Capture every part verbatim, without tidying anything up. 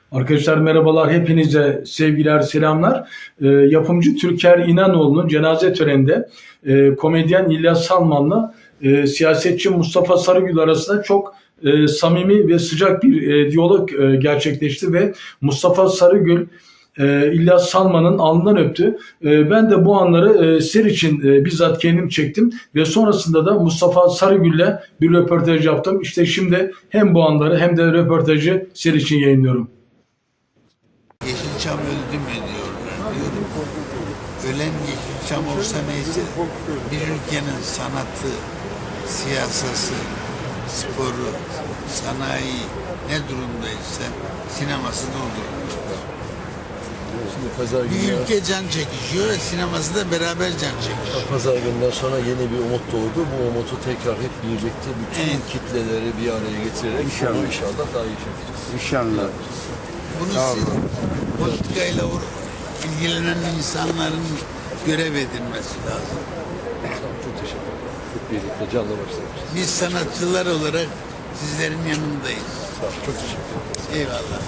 Arkadaşlar merhabalar, hepinize sevgiler, selamlar. E, yapımcı Türker İnanoğlu'nun cenaze töreninde e, komedyen İlyas Salman'la e, siyasetçi Mustafa Sarıgül arasında çok e, samimi ve sıcak bir e, diyalog e, gerçekleşti ve Mustafa Sarıgül e, İlyas Salman'ın alnından öptü. E, ben de bu anları e, sizler için e, bizzat kendim çektim ve sonrasında da Mustafa Sarıgül'le bir röportaj yaptım. İşte şimdi hem bu anları hem de röportajı sizler için yayınlıyorum. Yeşilçam öldü mü diyorlar diyorum. Ölen Yeşilçam olsa neyse, bir ülkenin sanatı, siyasası, sporu, sanayi ne durumdaysa sineması da o durumda. Şimdi pazar Bir günü, ülke can çekişiyor ve sineması da beraber can çekişiyor. pazar gününden sonra yeni bir umut doğdu. Bu umutu tekrar hep birlikte bütün Evet. kitleleri bir araya getirerek İnşallah. bunu inşallah daha iyi çekeceğiz. İnşallah. Bunu Sağ siz olun. politikayla uğra- ilgilenen insanların görev edinmesi lazım. Çok teşekkür ederim. Hep birlikte canla başlamışız. Biz sanatçılar olarak sizlerin yanındayız. Sağ olun. Çok teşekkür ederim. Eyvallah.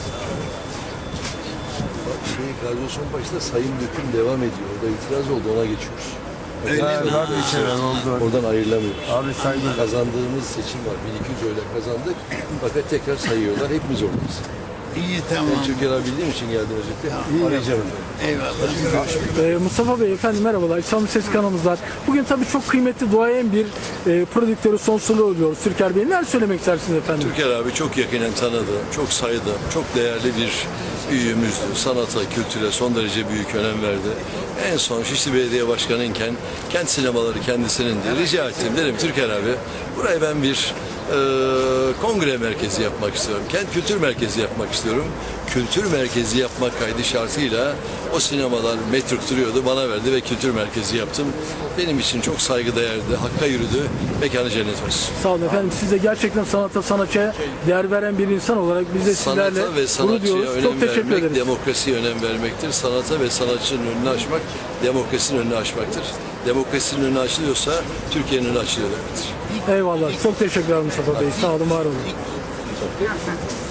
Bak, şey, radyasyon başında sayım döküm devam ediyor. Orada itiraz oldu, ona geçiyoruz. Öyle Ya, mi? var bir şeyler oldu. Oradan ayrılamıyoruz. Abi saygı. Kazandığımız seçim var. bin iki yüz oyla kazandık. Fakat tekrar sayıyorlar. Hepimiz oradayız. İyi tamam. Ben Türkiye'yi bildiğim için geldim özellikle. Arayacağım efendim. Eyvallah. Ee, Mustafa Bey, efendim merhabalar. İstanbul Ses kanalımız var. Bugün tabii çok kıymetli, duayen bir e, prodüktörü sonsuzluğu oluyoruz. Türker Bey, neler söylemek istersiniz efendim? Türker abi çok yakinen tanıdığım, çok saydığım, çok değerli bir büyüğümüzdü. Sanata, kültüre son derece büyük önem verdi. En son Şişli Belediye Başkanı'yken kent sinemaları kendisinin diye rica ettim. Dedim Türker abi, burayı ben bir e, kongre merkezi yapmak istiyorum. Kent kültür merkezi yapmak istiyorum. Kültür merkezi yapmak kaydı şartıyla o sinemalar metruk duruyordu. Bana verdi ve kültür merkezi yaptım. Benim için çok saygıdeğerdi. Hakka yürüdü. Mekanı cennet olsun. Sağ olun efendim. Siz de gerçekten sanata, sanatçıya değer veren bir insan olarak biz de sizlerle Sanata ve gurur sanatçıya duyuyoruz. önem Çok teşekkür vermek, ederiz. demokrasiye önem vermektir. Sanata ve sanatçının önünü açmak, demokrasinin önünü açmaktır. Demokrasinin önünü açılıyorsa Türkiye'nin önü açılıyor demektir. Eyvallah. Çok teşekkürler Mustafa Bey. Sağ olun, var olun.